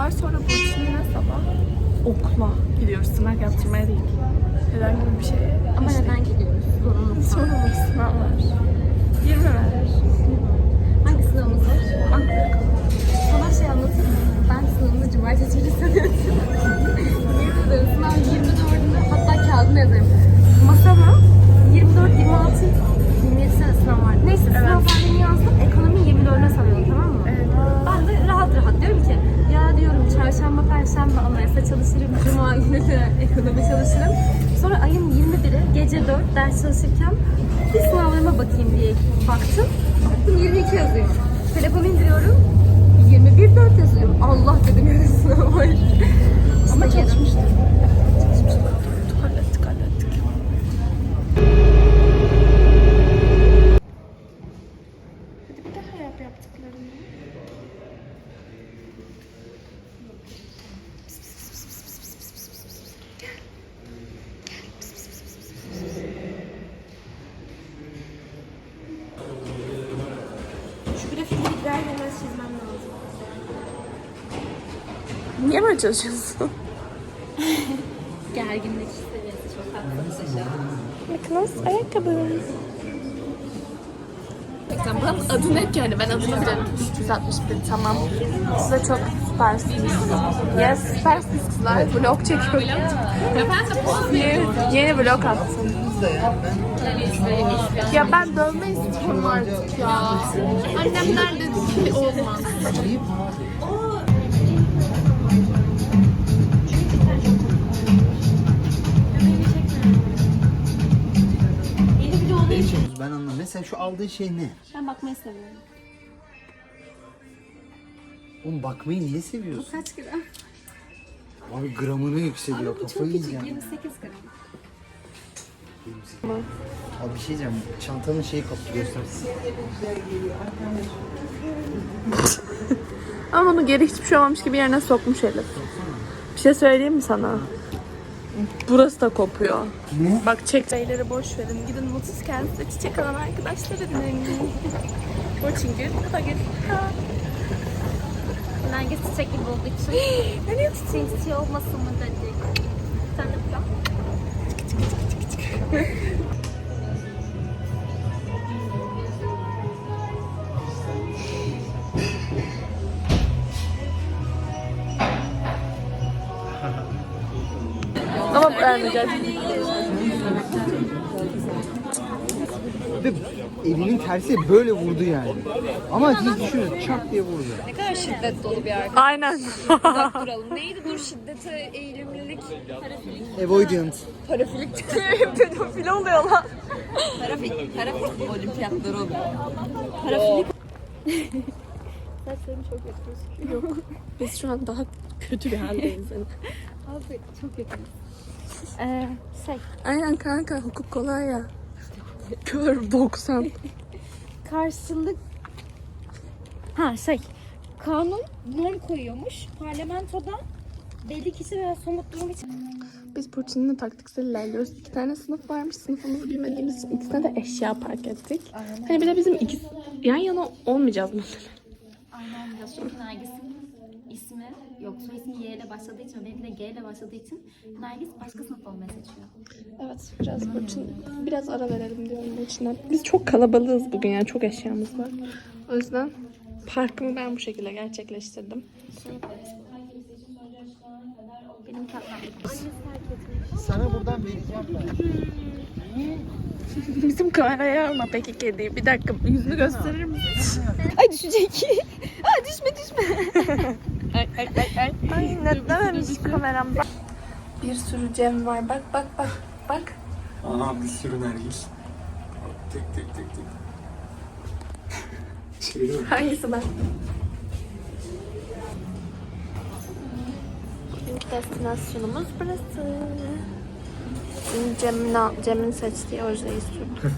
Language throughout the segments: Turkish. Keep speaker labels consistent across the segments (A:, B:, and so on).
A: var. Sonra Burçin'le sabah okula gidiyoruz. Sınav yaptırmaya değil. Herhangi bir şeye.
B: Ama neden gidiyoruz?
A: Sorumlu sınav var. 20 ver.
B: Hangi sınavımız var? Ankara. Sana şey anlatayım mı? Ben sınavımı cumartesi günü sanıyorum. Yemin ederim sınav 24'ünde, hatta kağıdını yazarım. Masama 24, 26, 27 sene sınav var. Neyse sınav tarihini yazdım. Ekonomi 24'üne sanıyorum, tamam mı? Evet. Ben de rahat diyorum ki ya diyorum çarşamba, perşembe anayasa çalışırım. Cuma günü de ekonomi çalışırım. Sonra ayın 21'i gece 4 ders çalışırken bir sınavlarıma bakayım diye baktım. Baktım 22 yazıyor. Telefonu indiriyorum. 21-4 yazıyor. Allah dedim ya sınav var. Ama çalışmıştım.
A: Hallettik. Hadi bir daha yap yaptıklarını.
B: Şu grafikleri gider gelmez çizmem lazım.
A: Niye böyle çalışıyorsun?
B: Gerginlik seviyesi çok haklı.
A: Nicholas ayakkabı. Buranın adı ne ki? Yani ben adını bilirim. 361 tamam. Size çok süpersiniz. Yes, süpersiniz kızlar. Vlog çekiyorum. Yeni vlog attım. Ya ben dövme istiyorum artık ya. Annemler dedi ki olmaz.
C: Ben anlamadım. Mesela şu aldığı şey ne?
B: Ben bakmayı seviyorum.
C: Oğlum bakmayı niye seviyorsun?
B: Kaç gram?
C: Abi gramını yükseliyor.
B: Bu çok
C: Kafayı
B: küçük,
C: yiyeceğim.
B: 28 gram.
C: Abi bir şey diyeceğim. Çantanın şeyi koptu, göstersin.
A: Ama onu geri hiçbir şey olmamış gibi yerine sokmuş Elif. Bir şey söyleyeyim mi sana? Burası da kopuyor.
C: Ne?
A: Bak çekmeyleri boş verin. Gidin mutsuz kendinize çiçek alan arkadaşlar edinin. Burçin gül. Hadi gül.
B: Nergis çiçek gibi olduğu için.
A: Nereye
B: Çiçeği olmasın mı dedik. Sen de bak.
A: Ama beğenmeyeceğiz.
C: Ve elinin tersi böyle vurdu yani. Ama hiç düşünün, çak diye vurdu.
B: Ne kadar şiddet dolu bir arkadaş.
A: Aynen.
B: Uzak duralım. Neydi dur şiddete eğilimlilik? Parafilik.
C: Avoidant.
B: Parafilik.
A: Pedofil oluyor lan.
B: Parafilik olimpiyatları oluyor. Parafilik. Saçlarım çok yakın.
A: Yok. Biz şu an daha kötü bir haldeyiz. Yani.
B: Abi çok yakın.
A: Aynen kanka hukuk kolay ya. Kör 90.
B: Karşılık kanun norm koyuyormuş. Parlamentoda belli kişi veya somut durum için.
A: Biz Burçin'le taktiksel ilerliyoruz. 2 tane sınıf varmış. Sınıfımızı bilmediğimiz için ikisine de eşya park ettik. Hani bir de bizim ikisi yan yana olmayacağız mesela.
B: Aynen biraz çünkü Nergis'in ismi yok. Soy ismi Y ile başladığı için, benimki de G ile başladığı için Nergis başka sınıf olmayı seçiyor.
A: Evet biraz Burçin, biraz ara verelim diyorum Burçin'e. Biz çok kalabalığız bugün yani çok eşyamız var. O yüzden parkımı ben bu şekilde gerçekleştirdim.
B: Şey yaparız. Benim katmam.
C: Sana buradan vereceğim ben.
A: Bizim kameraya alma peki kediyi. Bir dakika yüzünü gösterir misin?
B: Ay düşecek. Ay düşme.
A: Ay nedenmiş kameram. Bir sürü Cem var. Bak.
D: Aha bir sürü nergis. Tek. Çeviriyorum.
A: Hangisi ben? İlk destinasyonumuz burası. Şimdi Cem'in seçtiği ojeyi istiyorum.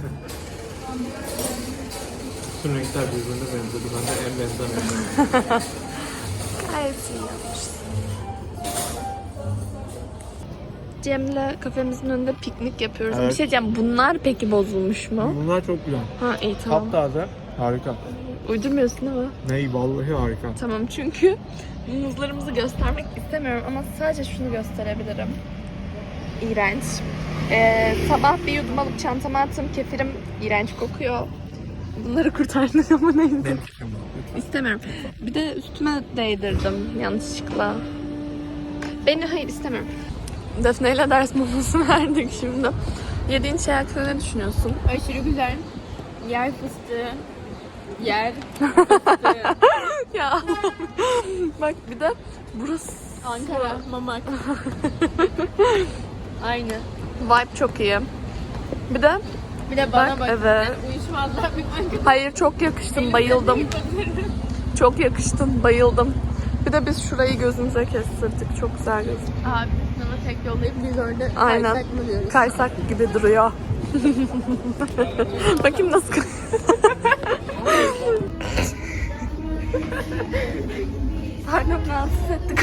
D: Bütün renkler birbirine benzedi. Ben de en benzemeyen.
A: Gayet iyi yapmışsın. Cem'le kafemizin önünde piknik yapıyoruz.
D: Evet.
A: Bir şey diyeceğim. Bunlar peki bozulmuş mu?
D: Bunlar çok güzel.
A: Ha iyi tamam.
D: Taptaze. Harika.
A: Uydurmuyorsun ama.
D: Ney vallahi harika.
A: Tamam, çünkü muzlarımızı göstermek istemiyorum ama sadece şunu gösterebilirim. İğrenç. Sabah bir yudum alıp çantama attım. Kefirim iğrenç kokuyor. Bunları kurtardık ama neyse. İstemiyorum. Bir de üstüme değdirdim yanlışlıkla. Hayır istemiyorum. Defne ile ders molası verdik şimdi. Yediğin şey hakkında ne düşünüyorsun?
B: Aşırı güzel. Yer fıstığı. Yer.
A: Ya bak bir de burası
B: Ankara. Mamak. Aynı.
A: vibe çok iyi. Bir de
B: Bir de bana bak.
A: evet.
B: Uyuşmazlar bir Ankara.
A: Hayır, çok yakıştın, bayıldım. Çok yakıştın, bayıldım. Bir de biz şurayı gözümüze kestirdik. Çok güzel gözüküyor.
B: Abi sana tek yollayıp biz orada
A: Aynen.
B: kaysak mı diyoruz?
A: Kaysak gibi duruyor. Bakayım nasıl Pardon, rahatsız ettik.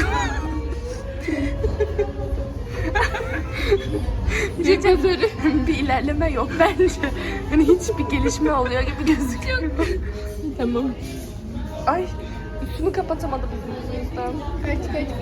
A: Bir ilerleme yok bence. Yani hiçbir gelişme oluyor gibi gözüküyor.
B: Tamam.
A: Ay, üstünü kapatamadı bizim yüzümüzden.
B: Kaç.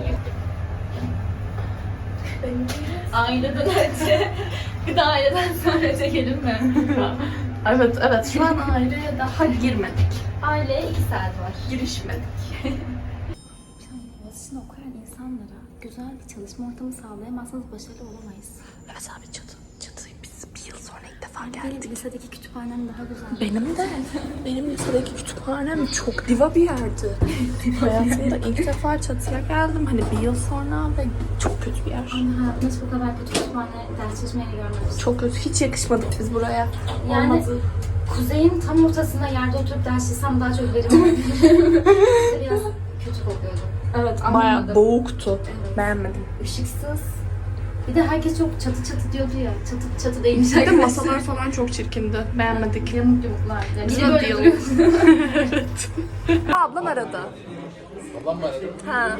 B: Aileden önce bir de aileden sonra çekelim mi?
A: Evet. Şu an aileye daha girmedik.
B: Aileye 2 saat var.
A: Girişmedik.
B: Boğaziçi'nde okuyan insanlara güzel bir çalışma ortamı sağlayamazsanız başarılı olamayız.
A: Evet abi, çatıyı biz bir yıl sonra ilk defa
B: Benim
A: geldik.
B: lisedeki kütüphanem daha güzel.
A: Benim lisedeki kütüphanem çok diva bir yerdi. Hayatımda ilk defa çatıya geldim. Hani bir yıl sonra ve çok kötü bir yer.
B: Hayatımda hiç bu kadar kötü kütüphane ders çalışmayı görmemiştim.
A: Çok kötü. Hiç yakışmadık biz buraya.
B: Yani
A: Olmadı.
B: kuzeyin tam ortasında yerde oturup ders çalışsam daha çok verim alabilirim. Biraz kötü kokuyordu.
A: Evet,
B: Anlamadım.
A: bayağı boğuktu.
B: Evet.
A: Beğenmedim.
B: Işıksız. Bir de herkes çok çatı diyordu ya. Çatı değilmiş.
A: Bir de masalar falan çok çirkindi. Beğenmedik.
B: Yamuk yumuklardı. Biri
A: Güzel
B: böyle
A: değil.
B: duruyor.
A: Evet. Ablam aradı.
D: Babam mı aradı?
A: Ha.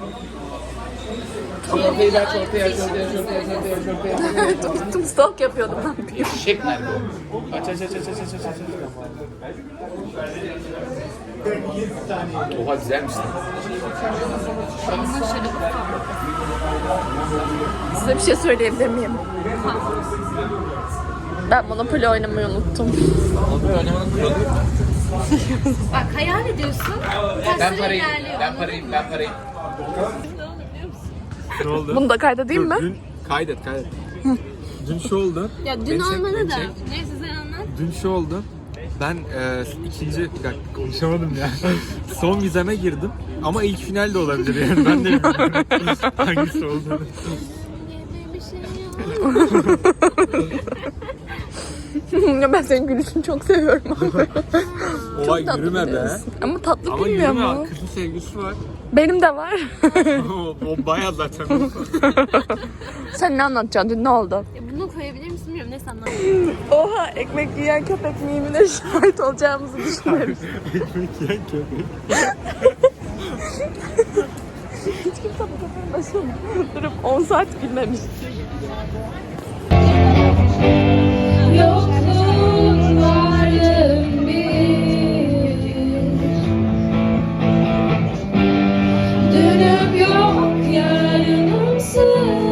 D: Çortayı ver, çortayı ver.
A: Tuttum, stalk yapıyordum. Ne yapayım?
D: Çiçek nerede o? Aç. Oha güzelmiş lan.
A: Size bir şey söyleyebilir miyim? Ben Monopoly oynamayı unuttum.
D: Onu oynamanın kuralı yok mu?
B: Bak hayal ediyorsun.
D: Ben parayım. Ne oldu?
A: Bunu da kaydedeyim mi?
D: Dün kaydet. Dün şu oldu.
B: Ya dün
D: Beni çek,
B: olmadı
D: beni
B: da.
D: çek.
B: Neyse sen anlat.
D: Dün şu oldu. Ben ikinci, bir dakika konuşamadım ya. Son vizeme girdim. Ama ilk final de olabilir yani. Ben de bilmiyorum hangisi olduğunu.
A: Ya ben senin gülüşünü çok seviyorum abi.
D: Olay
A: Tatlı
D: yürüme be.
A: biliyorsun. Ama tatlı
D: Ama
A: bilmiyor
D: yürüme.
A: mu?
D: Kızın sevgisi var.
A: Benim de var.
D: o bayağı zaten.
A: Sen ne anlatacaksın? Dün ne oldu?
B: Bunu koyabilir misin bilmiyorum. Neyse anlat.
A: Oha, ekmek yiyen köpek mimine şahit olacağımızı düşünüyorum.
D: Ekmek yiyen köpek.
A: Hiç kimse bu köpeğin başına durup 10 saat gülmemiş.
B: Yokluğun varlığın bir. Dönüp yok yarınımsın.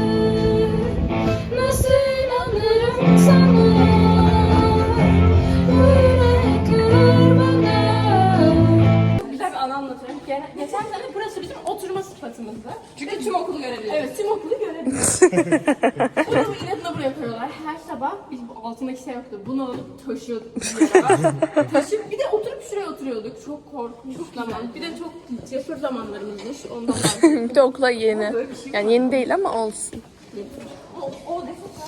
B: Nasıl inanırım sana? Bu yürek kırır bana.
E: Güzel bir anı anlatıyorum. Geçen sene burası bizim oturma sıfatımızdı. Çünkü tüm okulu görebiliyoruz. Evet, tüm okulu görebiliyoruz. Bunu inatla buraya koyuyorlar. Her sabah biz bu altındaki şey yoktu. Bunu alıp taşıyorduk bir yere. Taşıyıp bir de oturup şuraya oturuyorduk. Çok korkunç zaman. Bir de çok cesur zamanlarımızmış. Ondan bahsediyorum.
A: Bir de okula yeni. Yani yeni değil ama olsun.
E: O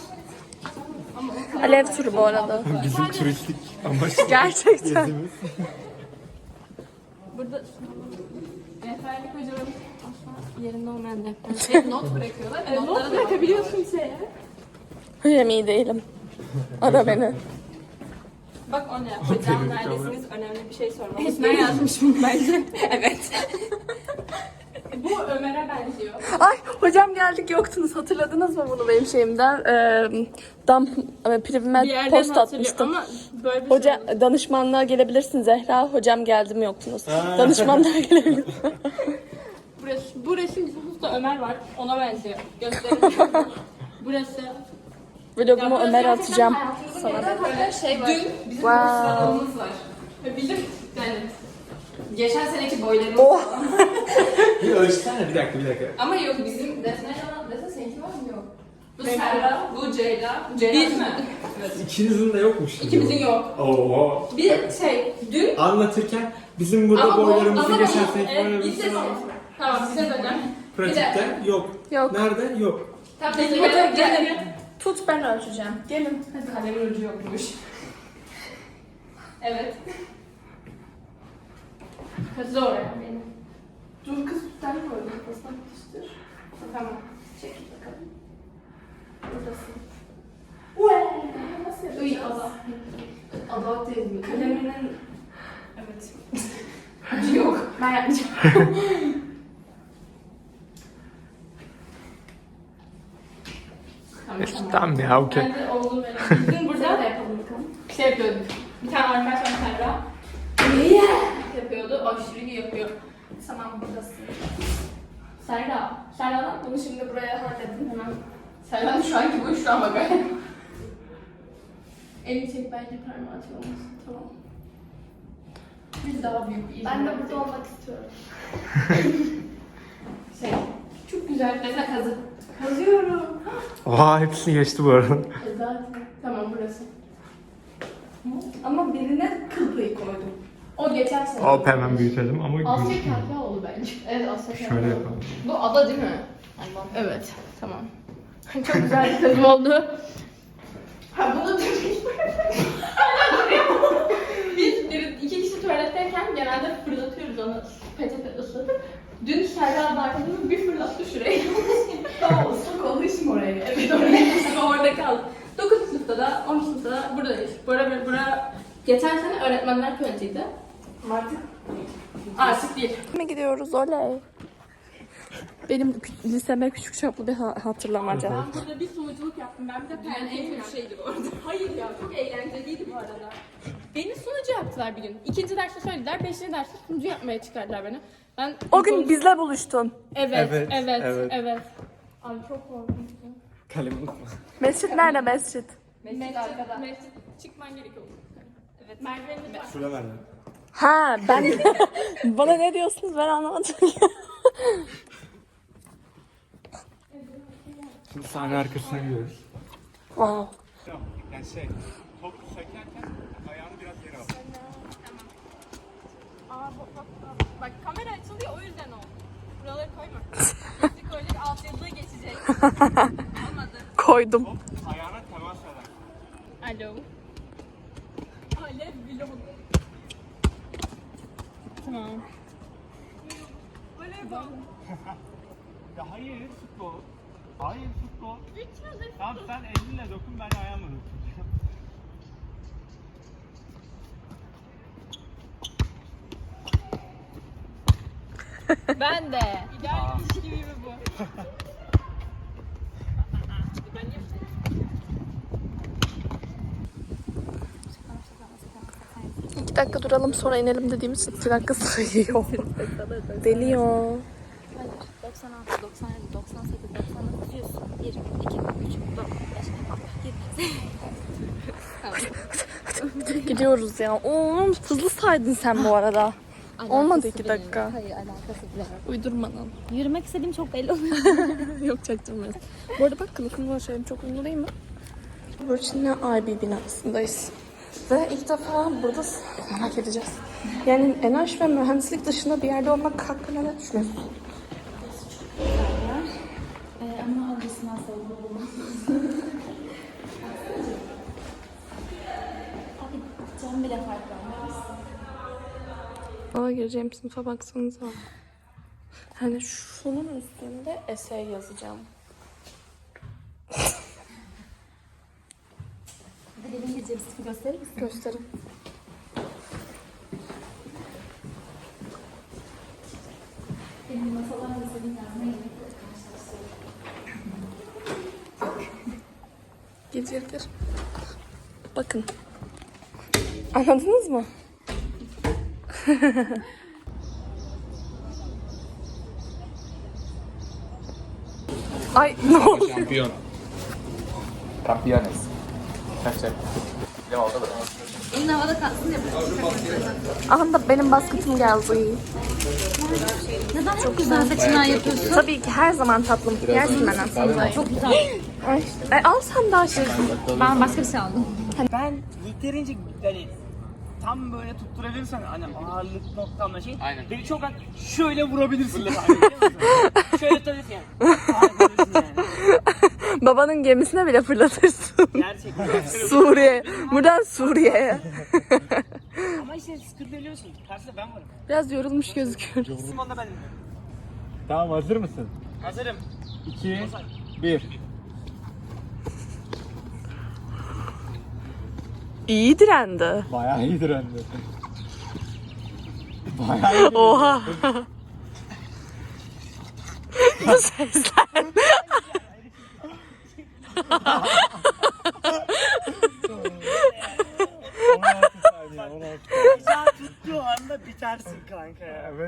A: Alev turu bu arada.
D: Bizim turistik amaç
A: Gerçekten.
D: gezimiz.
E: burada rehberlik hocalarımız asla yerinde olmayan rehberlik not bırakıyorlar. Evet, not bırakabiliyorsun şeye.
A: Hocam iyi değilim. Ara beni.
E: Bak o ne? Hocam neredesiniz? Önemli bir şey sormamız. Esmer yazmış bunu bence. Evet. Bu Ömer'e benziyor.
A: Ay hocam geldik yoktunuz. Hatırladınız mı bunu benim şeyimden? Privime
E: Bir yerden
A: post
E: hatırlıyor
A: atmıştım.
E: ama Böyle bir
A: Hoca danışmanlığa gelebilirsin Zehra. Hocam geldi mi yoktunuz. Danışmanlığa gelebilir.
E: Bu resim sınıfta Ömer var. Ona benziyor. Gösterelim. Burası.
A: Vlogumu Ömer atacağım.
E: Sana böyle şey var. Dün bizim
A: Wow.
E: sıralamamız var. Ve bizim yani geçen seneki boylarımız
D: Bir ölçsene bir dakika.
E: ama yok bizim Defne seninki var mı? Yok. Bu Serra, bu Ceyda. Ceyda değil mi?
D: İkinizin de yokmuş gibi.
E: İkimizin yok.
D: Oo.
E: Bir dün
D: Anlatırken bizim burada boylarımızı geçen seneki boylarımızı
E: Tamam size söyleyeceğim.
D: pratikte yok.
A: Yok.
D: Nerede? Yok.
E: Tamam
A: Hadi gelin. Tut ben ölçeceğim. Gelin.
E: Hadi kalemin ucu yokmuş. Evet. Hadi zor ya benim. Dur kız sen mi koydun? Kafasına tutuştur. Tamam. Çek bakalım. Buradasın. Uee! Nasıl yapacağız? Uy Allah. Allah değil mi? Kaleminin... Evet. Ucu yok. Ben yapmayacağım.
D: Tamam ya okey.
E: Ben de oğlum benim. Bizim burada da yapalım bakalım. Şey yapıyorduk. Bir tane arkadaş var Serra. Yapıyordu. Aşırı iyi yapıyor. Tamam buradasın. Serra'dan bunu şimdi buraya halledin hemen. Serra'nın şu anki boyu şu an bak. Elini çek bence parmağı olmasın. Tamam. Biz daha büyük bir
A: Ben de burada olmak istiyorum.
E: çok güzel. Mesela kazı. Kazıyorum.
D: Oha hepsini geçti bu arada.
E: Zaten. Tamam burası. Ama birine kıl payı koydum. O geçen sene.
D: Hop hemen büyütelim ama
E: Asya
D: gözükmüyor.
E: Kahveoğlu bence. Evet Asya
D: Şöyle
E: Kahveoğlu.
D: yapalım.
E: Bu ada değil mi? Allah. Evet. Tamam. Çok güzel bir kazım oldu. Ha bunu Biz iki kişi tuvaletteyken genelde fırlatıyoruz onu peçete ıslatıp. Dün Serra arkadaşım bir fırlattı şuraya. Tamam ıslak olduğu için oraya. Evet oraya orada kaldı. 9. sınıfta da 10. sınıfta da buradayız. Bura geçen sene öğretmenler köyüydü. Artık değil.
A: Mi gidiyoruz oley. Benim liseme küçük çaplı bir hatırlamaca.
E: Ben burada bir sunuculuk yaptım. Ben bir de dünyanın en kötü şeydi bu arada. Hayır ya çok eğlenceliydi bu arada. Beni sunucu yaptılar bir gün. 2. derste söylediler, 5. derste sunucu yapmaya çıkardılar beni. Ben
A: O gün bizle buluştun.
E: Evet.
D: Evet.
E: Abi çok korkunçtu.
D: Kalemi unutma.
A: Mescit nerede mescit?
E: Mescit çıkman gerekiyor. Evet. Merdivenimiz var.
D: Şurada nerede?
A: Ha ben bana ne diyorsunuz ben anlamadım.
D: Şimdi sahne arkasına gidiyoruz.
A: Wow.
D: Yani top sekerken ayağını biraz yere al.
E: Bak kamera açılıyor o yüzden oldu. Buraları koyma. Geçtik öyle bir altyazıya geçecek. Olmadı.
A: Koydum.
D: Ayağına temas eder.
E: Alo. Alev vlog. Tamam.
D: Ya hayır futbol. Hayır futbol. Tamam sen elinle dokun ben ayağımla dokunacağım.
E: Ben de. İdeal ilişki gibi bu.
A: 2 dakika duralım sonra inelim dediğimiz 2 dakika sayıyor. Deliyor.
B: 96, 97, 98, 99, 100, 1, 2, 3, 4, 5, 6, 7.
A: Gidiyoruz ya. Oğlum hızlı saydın sen bu arada. Olmadı 2 dakika.
B: Hayır alakası bile yok.
A: Uydurmadan.
B: Yürümek istediğim çok belli oluyor.
A: Yok çaktırmayız. Bu arada bak kılıfım var şeyim çok ünlü değil mi? Burçin'le IB binasındayız. Ve ilk defa burada merak edeceğiz. Yani enerji ve mühendislik dışında bir yerde olmak hakkında ne düşünüyorsun?
B: Ama ablasından sevdim. Abi cam bile fark var.
A: Aa gireceğim sınıfa baksanıza. Hani şunun üstünde essay yazacağım.
B: Hadi benim gideceğim sınıfı gösterir misin?
A: Gösterin.
B: Benim masalarla senin yazmaya
A: Gir. Bakın. Anladınız mı? Ay ne oldu?
D: Şampiyon. Campeones. Kaç çek? Ne oldu bu?
B: Elin havada kalsın diye
A: Anda benim basketim geldi.
B: neden çok güzel seçimler yapıyorsun?
A: Tabii ki her zaman tatlım. Yersin ben aslında.
B: Çok güzel.
A: Ay, al sen daha şey.
B: Ben başka bir şey aldım.
F: Ben yeterince hani tam böyle tutturabilirsen hani ağırlık noktamla şey.
D: Aynen.
F: Beni çok şöyle vurabilirsin. Biliyor musun? Şöyle tutabilirsin yani. Ağırlıksın yani.
A: Babanın gemisine bile fırlatırsın.
F: Gerçekten.
A: Suriye. Buradan Suriye'ye.
F: Ama işte sıkıntı biliyorsun. Karşıda ben varım.
A: Biraz yorulmuş gözüküyoruz.
F: İsim onda benim.
C: Tamam hazır mısın?
F: Hazırım.
C: 2, 1.
A: İyi direndi.
C: Bayağı iyi direndi. Bayağı iyi.
A: Oha. Bu sesler.
C: 16 saniye, 16 saniye.
F: Bıçağı tuttuğu anda bitersin kanka ya.